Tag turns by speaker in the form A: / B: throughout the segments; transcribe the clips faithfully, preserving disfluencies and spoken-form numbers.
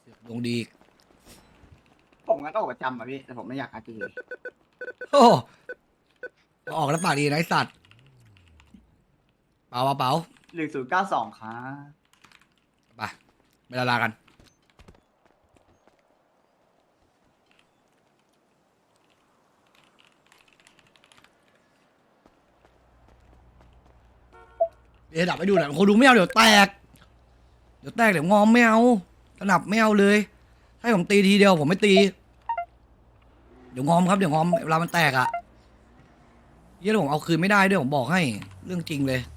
A: ดวงดี
B: ผมงั้นก็ออกประจำอ่ะพี่แต่ผมไม่อยากอาจีเลย
A: โอ้ออกแล้วปากดีนะไอสัตว์เปล่าเปล่า
B: หนึ่งศูนย์เก้าสองครับ
A: ไปไปลาลากันเดี๋ยวดับไปดูหน่อยคนดูไม่เอาเดี๋ยวแตกเดี๋ยวแตกเดี๋ยวงอมไม่เอาสนับไม่เอาเลยให้ผมตีทีเดียวผมไม่ตีเดี๋ยวงอมครับเดี๋ยวงอมเวลามันแตกอะเยี่ยผมเอาคืนไม่ได้ด้วยผมบอกให้เรื่องจริงเลย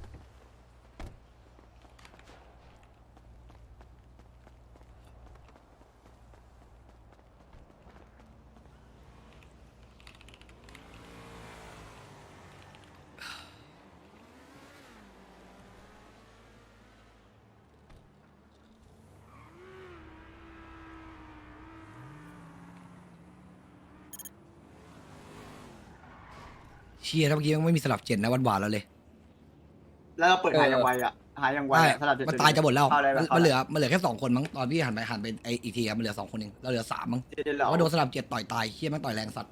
A: เชียร์ถ้าเมื่อกี้ยังไม่มีสลับเจ็ดนะวันหวานแล้วเลย
B: แล้วเราเปิดหายังไวอ่ะหายังไว
A: ใช่
B: อะสลับเจ็ด
A: มันตายจะหมดแล้ว
B: เข้าได้ไห
A: มันเหลือมันเหลือแค่สองคนมั้งตอนพี่หันไปหันไปไออีกทีอะมันเหลือสองคนเองเราเหลือสามมั้ง
B: เดี๋ยวเดี๋ยว
A: แต่
B: เรา
A: ว่าโดนสลับเจ็ดต่อยตายเฮี้ยแม่งต่อยแรงสัตว์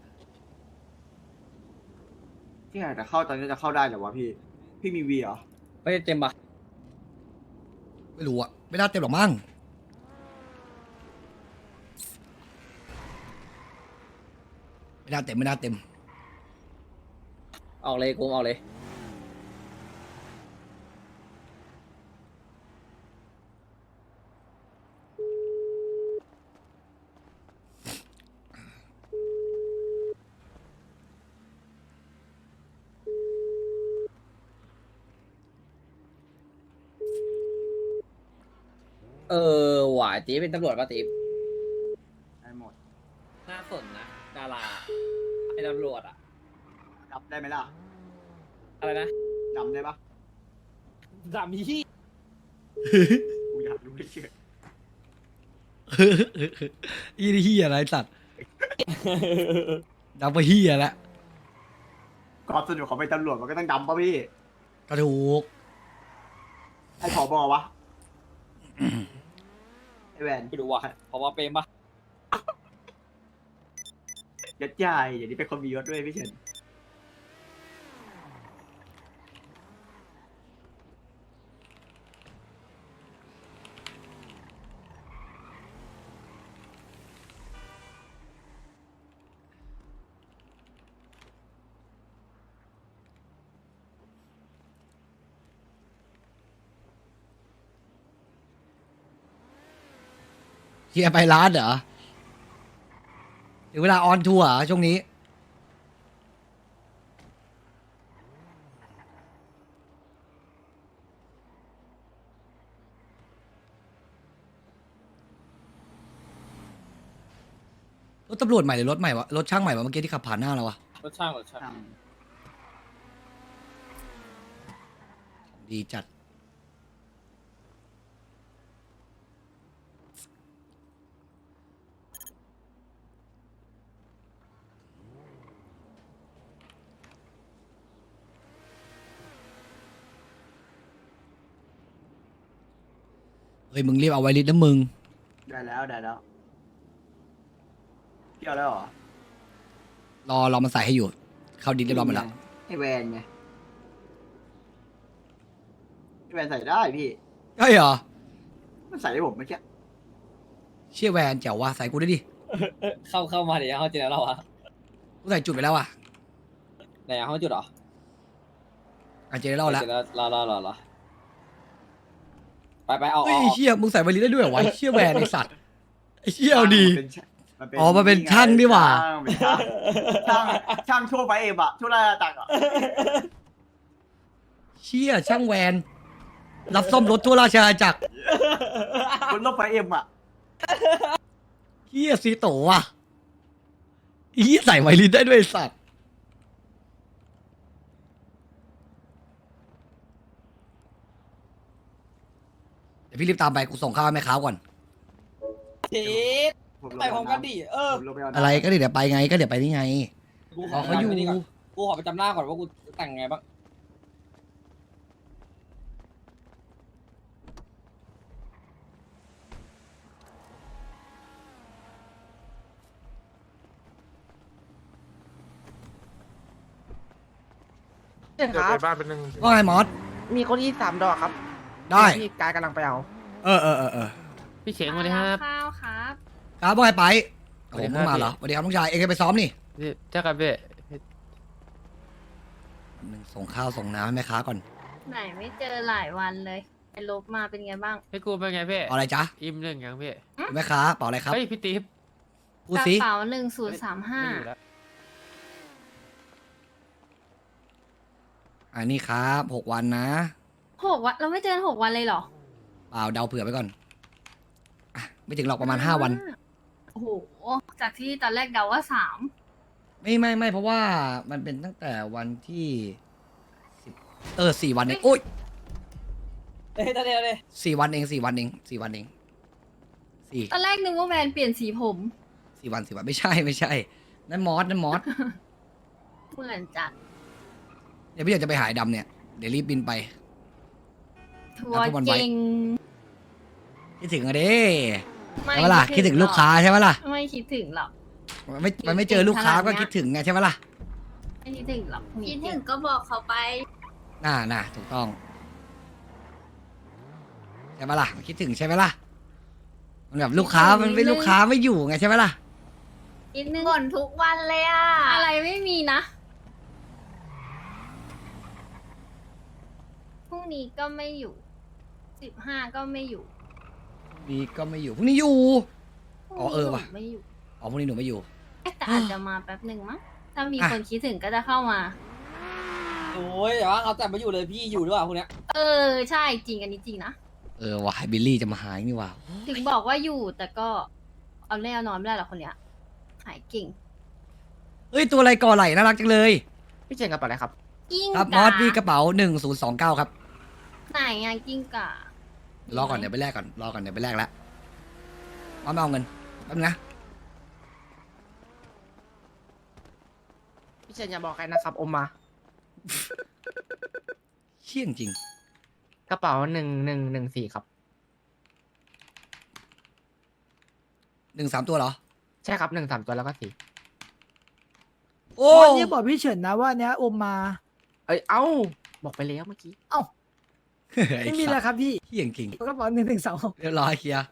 B: ที่ไหนแต่เข้าตอนนี้จะเข้าได้เหรอวะพี่ พี่มีวีเหรอ
C: ไม่ได้เต็มปะ
A: ไม่รู้อะไม่น่าเต็มหรอกมั้งไม่น่าเต็มไม่น่าเต็ม
C: ออกเลยกูออกเลย เออหวายตีเป็นตำรวจป่ะตี
B: ได้หมด
C: น่าสนนะดาราไอ้ตำรวจอะ
B: ดับได้ไหมล่ะ
C: อะไรนะ
B: ดำได้ปะ
C: ดามีที่
B: กูอยากรู้เฉย
A: อีนี่เฮี้ยอะไรสัตว์ดับไปเฮี้ยแล้ว
B: ความสนุกของเป็นตำรวจมันก็ต้องดำป่ะพี่
A: กระถูก
B: ให้ผอบอวะไอแวน
C: ไปดูว่ะเพราะว่าเป็นปะ
B: ยัดใหญ่อย่างนี้เป็นคนมียศด้วยพี่เฉิน
A: เฮี้ยไปร้านเหรอถึงเวลาออนทัวร์เหรอช่วงนี้รถตำรวจใหม่หรือรถใหม่วะรถช่างใหม่วะเมื่อกี้ที่ขับผ่านหน้าเราวะ
C: รถช่างรถช่าง
B: อ่ะ
A: ดีจัดเฮ้ยมึงรีบเอาไวริสนะมึง
B: ได้แล้วได้แล้วพี่เอาแล้วเหรอ
A: รอรอมันใส่ให้อยู่ เข้าดินเรียบร้อยหมดแล้ว
B: ไอแวนไงไอแวนใส่ได้พี่
A: ใช่เหรอ
B: มันใส่ให้ผมเมื่อกี้
A: เชี่ยแวนเจ๋วว่ะใส่กูได้ดิ
C: เข้าเข้ามาเดี๋ยวเขาเจอเราอะ
A: กูใส่จุดไปแล้วอ่ะ
C: ไหนอะเขาจุดเหรอ
A: อาเจเล่าแล้ว
C: เจอแล้วรอรอรอรอไปไปเอา
A: เฮ้ย
C: เอา
A: เชี่ยมึงใส่ไวริสได้ด้วยเหรอวะไอ้เชี่ยแวนไอสัตว์ไอเชี่ยเอาดี
B: มันเป็นช่างมันเป็น
A: อ๋อมันเป็นช่างนี่หว่า
B: ช่างเป็นช่างช่างช่างช่วงไฟเอ็มอะช่วงราชตักอะ
A: เชี่ยช่างแวนรับซ่อมรถทั่วราชอาณาจักร
B: บนรถไฟเอ็มอะ
A: เชี่ยซีโตว่ะเฮียใส่ไวริสได้ด้วยไอ้สัตว์เดี๋ยวพี่รีบตามไปกูส่งข้าวให้แม่ค้าก่อน
C: ทีด
B: ผมลง
C: ไปพร้อมกันดิเออ
B: ผมลงปเาน้ำ
A: อะไรก็เดี๋ยวไปไงก็เดี๋ยวไปนี่ไง
C: กูข
A: อ๋
C: อ
A: อเขาอยู่
C: ไปนี่ก่อนกูขอไปจำหน้าก่อนว่ากูแต่งไงบ้าง
D: ช่ค
E: เดี๋ยว
D: รับ
E: ไปบ้านเป็นหนึ่ง
A: ว่าไงมอส
D: มีคนที่สามดอกครับ
A: ได้
D: ที่กายกำลังไปเอา
A: เออเออเออเออ
F: พี่เฉียงมาเลยครับ
G: ข้าวครับ
A: ครับว่าไงไปโอ้
F: สวั
A: โห
F: สดีครับ
A: มึงมาเหรอสวัสดีครับน้องชายเองจะไปซ้อมนี่
F: พี่เจ้ากับพี่
A: หนึ่งส่งข้าวส่งน้ำให้แม่ค้าก่อน
G: ไหนไม่เจอหลายวันเลยไปลบมาเป็นไงบ้าง
F: พี่กูเป็นไงพี่
A: เอาอะไรจ๊ะ
F: อิ่มเรื่องยังพี่
A: แม่ค้าเปล่าอะไรครับ
F: เฮ้ยพี่ติ๊บ
A: พูด
G: กระ
A: สิ
G: เป๋าหนึ่งศูนย์สามห้า
F: ไม่อยู่แล้ว
A: อันนี้ครับหกวันนะ
G: หกวันเราไม่เจอหกวันเลยเหรอ
A: เปล่าเดาเผื่อไปก่อนอ่ะไม่ถึงหรอกประมาณห้าวัน
G: โอ้โหจากที่ตอนแรกเดาว่าสาม
A: ไม่ไม่ไม่เพราะว่ามันเป็นตั้งแต่วันที่สิบเออสี่วันเองโอ้ย
C: เฮ้ยตอนเดียวเลย
A: สี่วันเองสี่วันเองสี่วันเองสี่
G: ตอนแรกนึกว่าแวนเปลี่ยนสีผม
A: สี่วันสี่วันไม่ใช่ไม่ใช่นั่นมอสนั่นมอส
G: เหมือนจัด
A: เดี๋ยวพี่อยากจะไปหายดำเนี่ยเดี๋ยวรีบบินไป
G: ทัว
A: เอา
G: ร์
A: ทุกวันไว้
G: เก่ง
A: คิดถึงอะเด้ใช่ไหมล่ะคิดถึงลูกค้าใช่ไหมล่ะ
G: ไม่คิดถึงหรอก
A: ไม่มันไม่เจอลูกค้าก็
G: ขนาดเนี้ย
A: คิดถึงไงใช่ไหมล่ะ
G: ไม่คิดถึงหรอก
H: คิดถึงก็บอกเขาไป
A: น่าน่าถูกต้องใช่ไหมล่ะคิดถึงใช่ไหมล่ะมันแบบลูกค้ามันไม่ลูกค้าไม่อยู่ไงใช่ไหมล่ะ
G: นิดนึง
H: บ่นทุกวันเลยอ่ะ
G: อะไรไม่มีนะพรุ่งนี้ก็ไม่อยู่สิบห้าก็ไม่อยู่
A: ดีก็ไม่อยู่พรุ่งนี้อยู่ อ๋อเออว่ะ
G: ไม่อยู่
A: อ๋อพรุ่งนี้หนูไม่อยู่
G: เอ๊ะแต่อาจจะมาแป๊บหนึ่งมั้งถ้ามี
A: อ่ะ
G: คนคิดถึงก็จะเข้ามา
C: โอ้ยแต่ว่าเอาแต่มาอยู่เลยพี่อยู่หรือเปล่าพวกเนี้ย
G: เออใช่จริงอันนี้จริงนะ
A: เออว่ะบิลลี่จะมาหายนี่ว่ะ
G: ถึงบอกว่าอยู่แต่ก็เอาแน่เอานอนไม่ได้หรอกคนเนี้ยหายเก่ง
A: เอ้ยตัวอะไรก่อไหลน่ารักจังเลย
D: พี่เชียงกระเป๋าอะไรครับ
G: กิ้ง
A: ครับม
G: ก่า
A: อสพี่กระเป๋าหนึ่งศูนย์สองเก้าครับ
G: ไหนไงกิ้งก่าร
A: อก่อนเดี๋ยวไปแลกก่อนรอก่อนเดี๋ยวไปแลกแล้วมอสไม่เอาเงินแป๊บนึงนะ
D: พี่เชียงอย่าบอกใครนะครับอมมา
A: เชี่ยงจริง
D: กระเป๋าหนึ่งหนึ่งหนึ่งสี่ครับ
A: หนึ่งสามตัวเหรอ
D: ใช่ครับหนึ่งสามตัวแล้วก็สี่
A: โอ้
I: วันนี้บอกพี่เฉินนะว่าเนี้ยอมมา
D: เอ้ยเอ้าบอกไปแล้วเมื่อกี้
A: ไอ้
I: ไม่มี
A: สั
I: แล้
A: ต
I: ว
A: ว์
I: ครับพี่
A: เชี่ยงจริง
I: กระเป๋าหนึ่งหนึ่งสอง
A: เรียบร้อยเคลียร์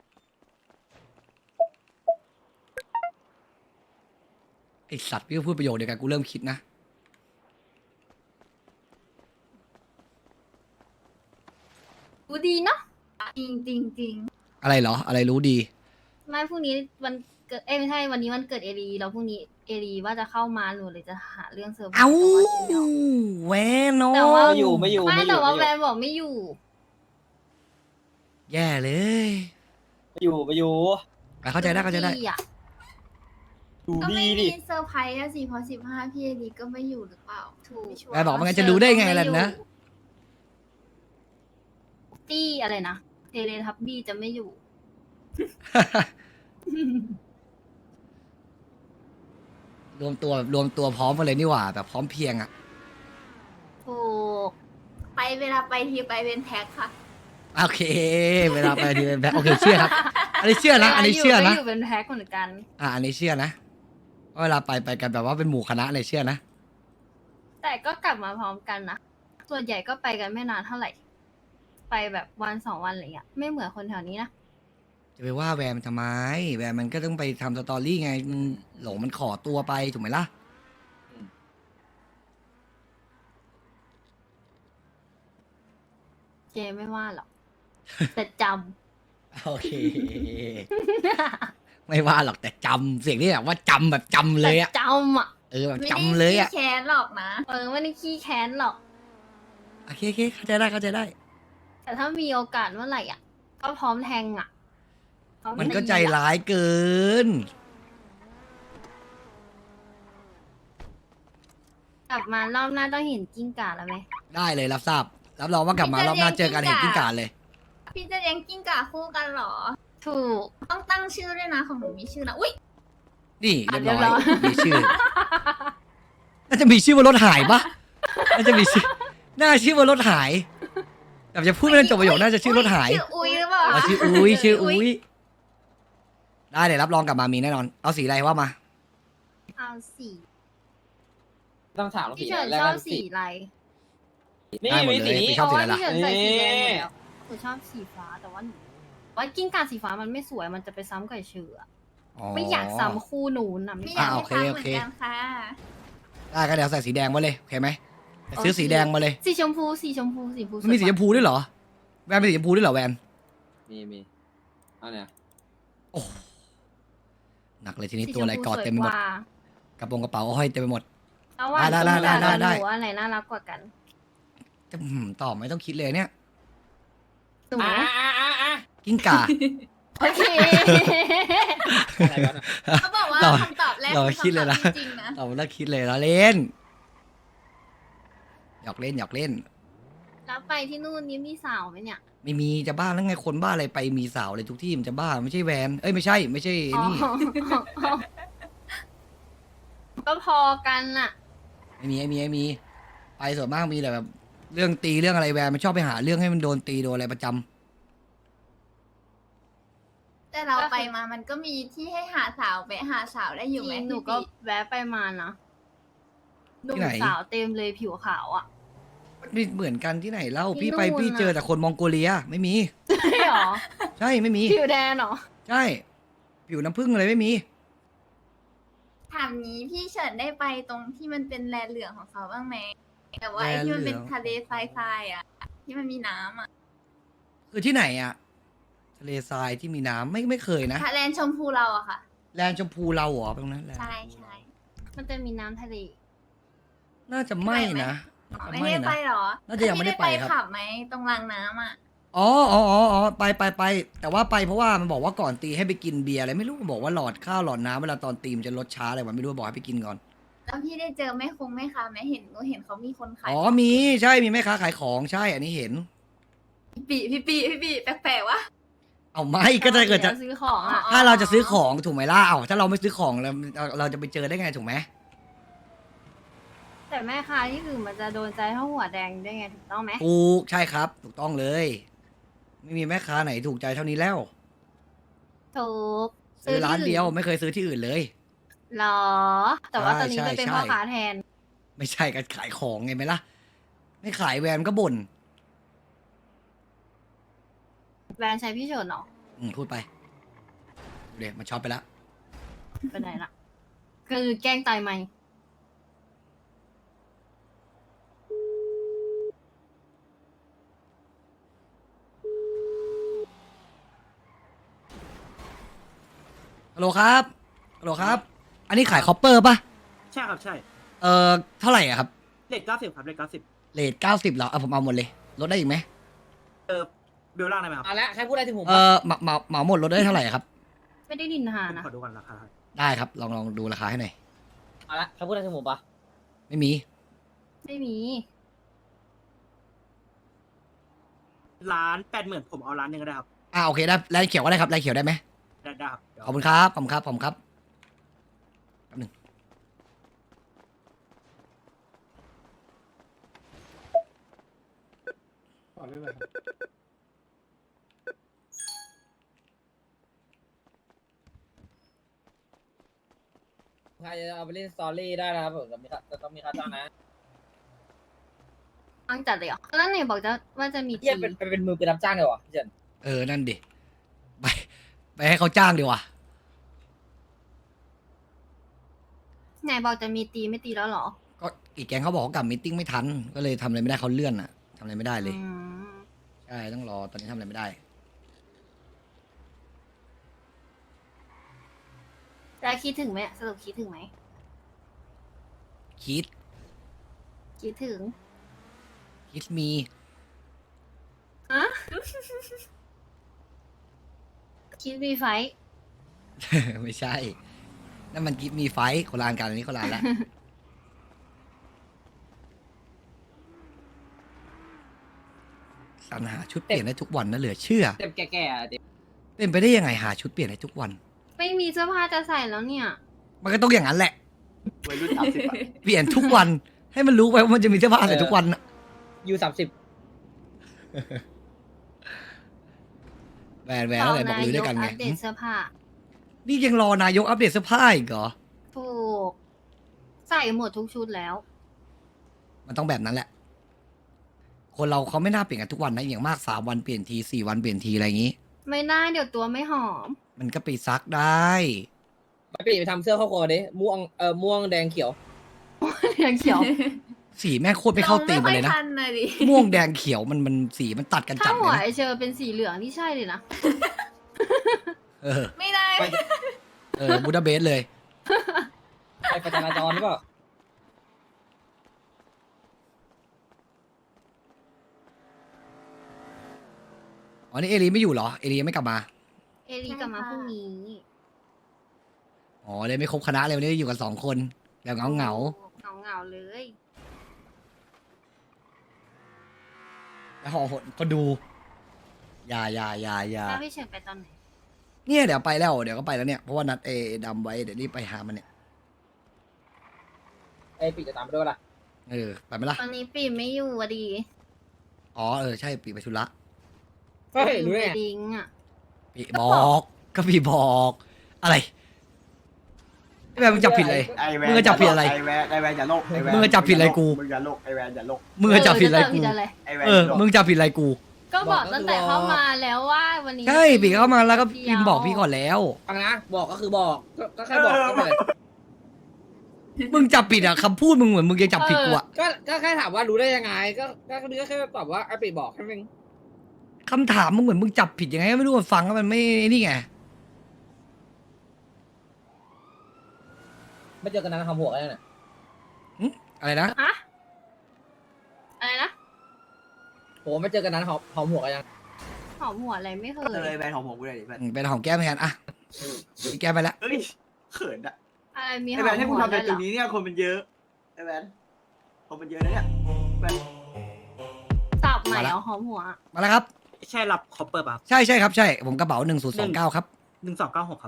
A: ไอสัตว์พี่ก็พูดประโยคเดียวกันกูเริ่มคิดนะ
G: ดูดีเนาะ
H: จริงจริงจริง
A: อะไรเหรอ อะไรรู้ดี
G: ไม่พรุ่งนี้วันเกิดเอ้ยไม่ใช่วันนี้วันเกิดเอรีแล้วพรุ่งนี้เอรีว่าจะเข้ามาหนูเลยจะหาเรื่องเซอร์ไพรส์
A: เอ้า
G: แต่ว่าเดี๋ยว
A: แวนโน
G: แต่ว่า
C: ไม่อยู่ไม่อยู่
G: ไม่
C: ไม่อ
G: แต่
C: ยู่
G: ว่า
C: ไม่
G: แว
C: อยู่
G: นบอกไม่อยู่
A: แย่เลย
C: ไม่อยู่ไม่อยู่
A: อ่ะเข้าใจได้เข้าใจได้
G: พี่อะ
C: อยู่
H: ก็
C: ดี
H: ไม่
C: ดิ
H: มีเซอร์ไพรส์อะสิเพราะสิบห้าพี่เอดีก็ไม่อยู่หรือเปล่า ถูก
A: แม่บอกว่างั้นจะรู้ได้ไงล่ะนะ
G: ตี้อะไรนะเทเลทับบี้จะไม่อยู่
A: รวมตัวแบบรวมตัวพร้อมกันเลยนี่หว่าแบบพร้อมเพรียงอ่ะ
G: ถูก
H: ไปเวลาไปทีไปเป็นแพ็คค่ะ
A: โอเค เวลาไปทีเป็นแบบโอเคเชื่อครับ อันนี้เชื่อนะ อันนี้เชื่อ
G: วลา
A: นะ
G: ยู่ก็อยู่เป็นแพ็คเหมือนกัน
A: อ่ะอันนี้เชื่อนะว่าเวลาไปไปกันแบบว่าเป็นหมู่คณะเลยเชื่อนะ
G: แต่ก็กลับมาพร้อมกันนะ ส่วนใหญ่ก็ไปกันไม่นานเท่าไหร่ ไปแบบวันสองวันอะไรเงี้ย ไม่เหมือนคนแถวนี้นะ
A: จะไปว่าแวร์มันทำไม แวร์มันก็ต้องไปทำสตอรี่ไงมันหลงมันขอตัวไปถูกไหมล่ะ
G: เจไม่ว่าหรอก แต่จ
A: โอเค ไม่ว่าหรอกแต่จำเสียงนี่แบบว่าจำแบบจำ
G: ำ
A: เลย
G: แต่
A: อะ
G: จำอ่ะ
A: เออแบบ
H: ไม่
A: จำ
H: ได้
A: เลยอะ
H: ขี้แค้นหรอกนะ
G: เออไม่ได้ขี้แค้นหรอก
A: โอเคโอเคเข้าใจได้เข้าใจได้
G: แต่ถ้ามีโอกาสเมื่อไหร่อ่ะ ก็พร้อมแทงอ่ะพร้อ
A: มันก็
G: ตี
A: ใจ
G: อะ
A: ร้ายเกิน
G: กลับมารอบหน้าต้องเห็นกิ้งก่าแล้วไหม
A: ได้เลยรับทราบ รับรองว่ากลับมารอบหน้าเจอกันเห็นกิ้งก่าเลย
H: พี่จะเลี้ยงกิ้งก่าคู่กันเหรอ
G: ถูก
H: ต้องตั้งชื่อด้วยนะของหนูมีชื่อนะอุ้ย
A: นี่เรียบ
G: เรียบร้
A: ร้
G: อ
A: อย ยมีชื่อ น่าจะมีชื่อว่ารถหายปะน่าจะมีชื่อ น่าชื่อว่ารถหายแบบจะพูดไม่ทันจบประโยคน่าจะชื่อรถหาย
H: ชื่ออุ้ยหรือเปล่า
A: อ๋อชื่ออุ้ยชื่ออุ้ยได้เดี๋ยวรับรองกลับมามีแน่นอน เอาสีอะไรว่ามา
G: เอาสี
C: ต้องถาม
G: พี่
C: พี่
G: เฉิน
C: แรก
G: ชอบ
C: ๆ
G: สีอะไร
C: นี่
A: ได้หมด
C: มี
A: เล
C: สี
A: ย
C: นี้
A: พี่ชอบสีอะไรล่ะ
G: พี่เฉินใส่สีแดงหมด
C: นี่
G: แล้วหนูชอบสีฟ้าแต่ว่าหนูว่ากิ้งก่าสีฟ้ามันไม่สวยมันจะไปซ้ำกับเชือไม่อยากซ้ำคู่หนูนะ
H: ไม่
G: ไม่
H: อยาก
A: อ่า
H: ให้
A: โอเค
H: ซ้ำ
A: โอ
H: เหมือ
A: เค
H: นกันค่ะ
A: ได้ก็เดี๋ยวใส่สีแดงมาเลยโอเคไหมซื้อสีแดงมาเลย
G: สีชมพูสีชมพูสีชมพู
A: มันมีสีชมพูด้วยเหรอแวนเป็นสีชมพูด้วยเหรอแวน
C: มีมีเอาเนี่ย
A: หนักเลยทีนี้ตัวอะไรกอดเต็มไปหมดกระโปรงกระเป๋าห้อยเต็มไปหมด
G: แล้วว่า
A: ได้ได้ได้ได้ได้
G: หนูอะไรน่ารักกว่ากัน
A: จะหืมตอบไม่ต้องคิดเลยเนี่ย
G: หนู
C: อ่ะอ่ะอ่ะอ่ะ
A: กิ้งก่า
G: โอเค
C: อะไรวะน่ะ
H: เขาบอกว่า
A: เรา
H: คำตอบแรก
A: เรา
H: คือ
A: คิดเลย
H: คำต
A: นะ
H: อบที่จริงนะ
A: ตอบไม่ต้องคิดเลยเราเล่นหยอกเล่นหยอกเล่น
G: แล้วไปที่นู่นนี้มีสาวไหมเนี่ย
A: ไม่มีจะบ้าแล้วไงคนบ้าอะไรไปมีสาวอะไรทุกที่มันจะบ้าไม่ใช่แวนเอ้ยไม่ใช่ไม่ใช่
G: อ๋อ
A: นี่
G: ก็พอกันน่ะ
A: ไม่มีไม่มีไม่มี ไปส่วนมากมีแต่แบบเรื่องตีเรื่องอะไรแวนมันชอบไปหาเรื่องให้มันโดนตีโดนอะไรประจำ
H: แต่เราไปมามันก็มีที่ให้หาสาวไปหาสาวได้อยู่ไหม
G: จริงหนูก็แวะไปมานะหนุ่ม
A: ที่ไหน
G: สาวเต็มเลยผิวขาวอ่ะ
A: ไม่เหมือนกันที่ไหนเล่า
G: ที่
A: พี่ไป
G: นู่น
A: พี่
G: น่ะ
A: เจอแต่คนมองโกเลียไม่มี
G: ใช่หรอ
A: ใช่ไม่มี
G: ผิวแดงเหรอ
A: ใช่ผิวน้ำผึ้งอะไรไม่มี
H: ถามนี้พี่เฉินได้ไปตรงที่มันเป็นแลเหลืองของเขาบ้างไหมแต่ว่าไอ้
A: แล
H: ที่มันเป็น
A: เหลือง
H: ทะเลทรายๆอ่ะ ที่มันมีน้ำอ่ะ
A: คือที่ไหนอะทะเลทรายที่มีน้ำไม่ไม่เคยนะ
H: ทะเลชมพูเราอะค่ะ
A: แลนด์ชมพูเราเหรอตรงนั้นแลนด์
H: ใช่ใช่
G: มันจะมีน้ำทะเล
A: น่าจะไม่นะน่า
H: อ๋อ
A: จะ
H: ไม่
A: ไม่
H: ได้ไป
A: นะ
H: เหรอ
A: น่าจะยังไม่ได้ไปครับ
H: พี่ขับไหมตรงรางน้ำอ่ะ
A: อ๋ออ๋ออ๋ออ๋อไปไปไปแต่ว่าไปเพราะว่ามันบอกว่าก่อนตีให้ไปกินเบียร์อะไรไม่รู้มันบอกว่าหลอดข้าวหลอดน้ำเวลาตอนตีมนจะลดช้าอะไรวะไม่รู้บอกให้ไปกินก่อน
H: แล้วพี่ได้เจอแม่คงแม่ค้าไหมเห็นหนูเห็นเขามีคนขาย
A: อ๋อมีใช่มีแม่ค้าขายของใช่อันนี้เห็น
H: ปีพี่ปีพี่ปีแปลกๆวะ
A: เอาไม่ก็ถ้าเกิดจะ
G: ดี๋ยวซื้อของอ่ะ
A: ถ้าเราจะซื้อของถูกไหมล่ะเอาถ้าเราไม่ซื้อของเราเราเราจะไปเจอได้ไงถูกไหม
G: แต่แม่ค้าที่อื่นมันจะโดนใจเท่าหัวแดงได้ไงถูกต้องไหม
A: ถูกใช่ครับ ถูกต้องเลย ไม่มีแม่ค้าไหนถูกใจเท่านี้แล้ว
G: ถูก
A: ซื้อร้าน
G: ที่
A: เดียวไม่เคยซื้อที่อื่นเลย
G: หรอ แต่ว่า
A: ใช่
G: ตอนนี้ไปเป็น
A: ใช่
G: พ่อ
A: ใช่
G: ค้าแทน
A: ไม่ใช่การขายของไงไหมล่ะ ไม่ขายแวนก็บ่น
G: แบรนด์ใช้พี่เฉินเหรอ
A: อืมพูดไปเดี๋ยวมันช็อปไปแล้ว
G: ไปไหนล่ะ คือแกล้งตายไหม
A: ฮัลโหลครับฮัลโหลครับ อันนี้ขายคอปเปอร์ป่ะ
B: ใช่ครับใช่
A: เอ่อเท่าไหร่อะครับ
B: เลทเก้าสิบครับเลทเก้าสิบ
A: เลทเก้าสิบเหรอเอาผมเอาหมดเลยลดได้อีกไหม
B: เออเบลล่างได้ไหมครับ
C: เอาละใครพูดอะไรถึงผม
A: เออเหมาเหมาเหมาหมดลดได้เท่าไหร่ครับ
G: ไม่ได้ดินหา
B: ผม
G: นะ
B: ขอดูก่อนราคาครับ
A: ได้ครับลองลองดูราคาให้หน่อย
C: เอาละใครพูดอะไรถึงผมปะ
A: ไม่มี
G: ไม่มี
B: ล้านแปดหมื่นผมเอาล้านหนึ่งก็ได้ครับ
A: อ่าโอเคได้แลนเขียวก็ได้ครับแลนเขียวได้ไหม
B: ได้ได้ครับเดี๋ยว
A: ขอบคุณครับขอบคุณครับขอบคุณครับแป๊บหนึง
C: ใครจะเอาไปเล่นสตอรี่ได้นะครับผมจะมีค่าจะต้องมีค่าจ้างนะ
G: ตั้งจัดเลยเหรอแล้วไหนบอกจะว่าจะมี
C: เฮีย
G: ที
C: เป็นเป็นเป็นมือเป็นรับจ้างเลยวะพี่เจน
A: เออนั่นดิไปไปให้เขาจ้างดีกว่า
G: ไหนบอกจะมีตีไม่ตีแล้วเหรอ
A: ก็อีกแกงเขาบอกเขากลับมีตติ้งไม่ทัน ก็เลยทำอะไรไม่ได้เขาเลื่อนอะทำอะไรไม่ได้เลย
G: อืม
A: ใช่ต้องรอตอนนี้ทำอะไรไม่ได้
G: แล้วคิดถึงไหมสรุปคิดถึงไหม
A: คิด
G: คิดถึง
A: คิดมี
G: อะคิดมีไฟท์
A: ไม่ใช่ นั่นมันคิดมีไฟท์คนละอันกันอันนี้คนละอันละ สรรหาชุดเปลี่ยนได้ทุกวันนะเหลือเชื่อ
C: เต็มแก่ๆอ่ะเต็ม
A: เป็นไปได้ยังไงหาชุดเปลี่ยนได้ทุกวัน
G: ไม่มีเสื้อผ้าจะใส่แล้วเนี่ย
A: มันก็ต้องอย่างนั้นแหละ
B: วัยรุ่นสามสิบอะ
A: เปลี่ยนทุกวัน ให้มันรู้ไปว่ามันจะมีเสื้อผ้าใส่ทุกวันน่ะ
C: ยูสามสิบ
A: แหวนแหวนอะไรบอกลือด้วยกันไง
G: อัปเดตเสื้อผ้า
A: นี่ยังรอนายกอัปเดตเสื้อผ้าอีกเหรอ
G: ถูก ใส่หมดทุกชุดแล้ว
A: มันต้องแบบนั้นแหละคนเราเขาไม่น่าเปลี่ยนกันทุกวันนะอย่างมากสามวันเปลี่ยนทีสี่วันเปลี่ยนทีอะไรอย่างนี้
G: ไม่น่าเดี๋ยวตัวไม่หอม
A: มันก็ไปซักได้
C: ไปปีไปทำเสื้อเข้าคอดิม่วงเอ่อม่วงแดงเขียว
G: ยังเขียว
A: สีแม่งโคตรไม่เข้าตีมกันเลยนะ
H: ราไม่ค่อทันเลยดิ
A: ม่วงแดงเขียวมันมันสีมันตัดกัน
G: ถ้า
A: จัดเล
G: หัวย
A: นะ
G: ไอเชอร์เป็นสีเหลืองนี่ใช่เลยนะ
A: เออ
H: ไม่ได้
C: ไป
A: เออบูดาเบสเลย
C: ไปประจราจรหรือเปล่า
A: อ๋อนี่เอลีไม่อยู่เหรอเอลียังไม่กลับมา
G: เอลีกลับมาพรุ่งนี้
A: อ๋อเลยไม่ครบคณะเลยวันนี้อยู่กันสองคนแบบเงาเงา
G: เงาเงาๆเลย
A: ๆแล้วห่อหดก็ดูอย่าอย่าอย่าอย่า
G: ถ้าพี่เฉินไปตอนไหน
A: เนี่ยเดี๋ยวไปแล้วเดี๋ยวก็ไปแล้วเนี่ยเพราะว่านัดเอดำไว้เดี๋ยวรีบไปหามันเนี่ย
C: ไอ้ปีจะตามไปด้วยล่ะ
A: เออไปไหมล่ะ
G: ตอนนี้ปีไม่อยู่อะดี
A: อ๋อเออใช่ปีไปธุระ
C: เฮ้ย
G: อยู่
C: รู้ได้
G: ไป
C: ไง
G: ดิ้งอะ
A: ปีบอกก็ปีบอกอะไรไอ้แบบมึงจับผิดเลย
B: ไอแวน
A: มึงจะจับผิดอะไร
B: ไอแวนไอแวนอย่าโลกไอแวน
A: มึงจะจับผิดอะไรกู
B: มึงอย่าโลกไอแวนอย่าโลก
A: มึงจะจับผิดอะไร
G: เออ
A: กู
G: จะจับผิดอะไร
B: ไอแวน
A: เออมึงจับผิดอะไรกู
G: ก็บอกตั้งแต่เข้ามาแล้วว่าวันนี้
A: ใช่ปีเข้ามาแล้วก็
G: ดี
A: พิ
G: ยว
A: มพ์บอกพี่ก่อนแล้ว
C: ฟังนะบอกก็คือบอกก็ก็แค่บอกก็เลย
A: มึงจับผิดอะคำพูดมึงเหมือนมึงยังจับผิดกูอะ
C: ก็ก็แค่ถามว่ารู้ได้ยังไง ก็ก็ก็แค่ตอบว่าไอ้ปีบอกแค่นั้นเอง
A: คำถามมึงเหมือนมึงจับผิดยังไงก็ไม่รู้มันฟังแล้วมันไม่นี่ไง
C: ไม่เจอกันนานทำหัวกันเนี่ย
A: อะไรนะ
G: ฮะอะไรนะ
C: โหไม่เจอกันนานหอมหอมหัวกันยัง
G: หอมหัวอะไรไม่เค
B: เออย แวนของผมกูเลยดิแวน
A: อืมเป็นหอมแก้มแทนอะพี่แก้มไปแล้ว
B: เอ้ยเขินอะ
G: อะไรมีห
B: ไอ
G: อ
B: แว
G: ม
B: นให้กู
G: หัว
B: ทำ
G: ด้
B: ใน
G: วยเหร
B: จุด
G: อ
B: นี้เนี่ยคนมันเยอะไอแวนคนมันเยอะนะเนี่ยแวน
G: สับใหม่เอาหอมหัว
A: มาแล้วครับ
E: ใช่รับคอปเปอร์ป่ะ
A: ใช่ใช่ครับใช่ผมกระเป๋าหนึ่งศูนย์สองเก้าครับ
E: หนึ่งสองเก้าหกครับ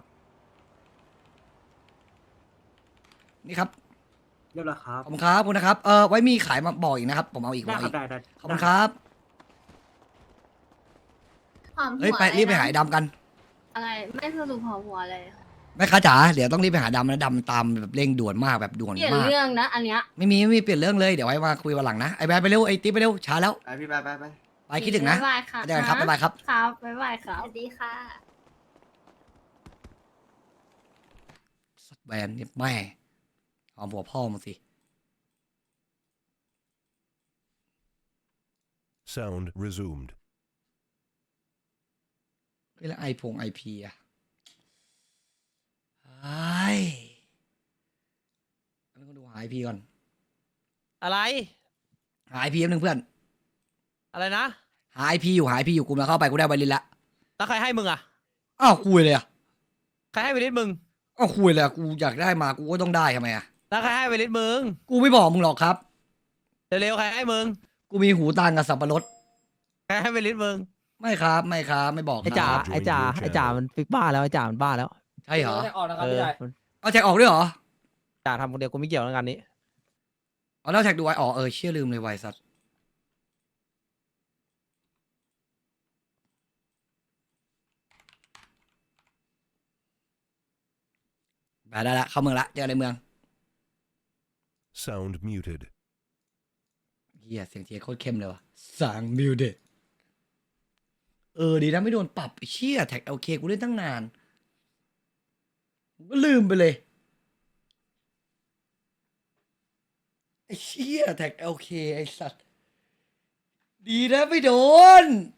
A: นี่ครับ
E: เรียบร้อยครับ
A: ขอบคุณครับขอบคุณนะครับเออไว้มีขายมาบอกอีกนะครับ ผมเอาอีกผม
E: ได้
A: เอา
E: ครั
A: อี
E: บ
A: ก
E: ได้ได้
A: ขอบคุณครับ
H: หอมหัว
A: เฮ้ยไปรีบไปหาไอ้ดำกัน
G: อะไรไม่สรุปหอมหัวเลย
A: แม่ค้าจ๋าเดี๋ยวต้องรีบไปหาดำนะดำตามแบบเร่งด่วนมากแบบด่วน
G: เปลี่ยน
A: มาก
G: เรื่องนะ อันเนี้ย
A: ไม่มีไม่มีเปลี่ยนเรื่องเลยเดี๋ยวไว้มาคุยวันหลังนะไอ้แบดไปเร็วไอ้ติ๊บไปเร็วช้าแล้ว
B: ไปพี่ไปไปไป
A: ไปคิดถึงนะ
G: บ๊ายบายค่ะ
A: เจอกันครับบ๊ายบายครับ
G: ครับบ๊ายบายค
H: ส
G: รับ
H: วัสดีค่ะ
A: สัตว์แบนเนี่ยแม่เอาหัวพ่อมึงสิ
J: Sound resumed.
A: เฮ้ยแล้วไอพงไอพีอะไอ้อันนี้ก็ดูหาไอพีก่อน
F: อะไร
A: หาไอพีแป๊บนึงเพื่อน
F: อะไรนะ
A: หาไอพีอยู่หาไอพีอยู่กูมาเข้าไปกูได้ใบลินละ
F: แล้วใครให้มึงอ่ะ
A: อ้าวคุยเลยอะ
F: ใครให้ไปลิสมึง
A: อ้าวคุยเลยอะกูอยากได้มากูก็ต้องได้ทำไมอะ
F: แล้วใครให้ไปลิสมึง
A: กูไม่บอกมึงหรอกครับ
F: เร็วๆใครให้มึง
A: กูมีหูตางกับสับปะรด
F: ใครให้ไปลิสมึง
A: ไม่ครับไม่ครับไม่บอกค
J: ไอ้
A: รั
J: จ๋า
A: บ
J: ไอ้จ๋าไอ้จ๋ามันฟิกบ้าแล้วไอ้จ๋ามันบ้าแล้ว
A: ใช่เหรอ
C: จะออกนะครับ
J: เอ
C: พี่
J: อ
C: ชาย
J: มัน
A: เอาแท็กออกด้วยเหรอ
J: จ๋าทำคนเดียวกูไม่เกี่ยวกับงานนี้
A: เอาแล้วแท็กดูไว้อ๋อเออเชื่อลืมเลยไวสัตว์ไปได้ละเข้าเมืองละเจอกันในเมือง
J: Sound muted.
A: เฮียเสียงเทียโคตรเข้มเลยวะสั่งมิวเดเออดีนะไม่โดนปรับไอ้เชี่ยแท็กโอเคกูเล่นตั้งนานกูก็ลืมไปเลยไอ้เชี่ยแท็กโอเคไอ้สัตว์ดีนะไม่โดน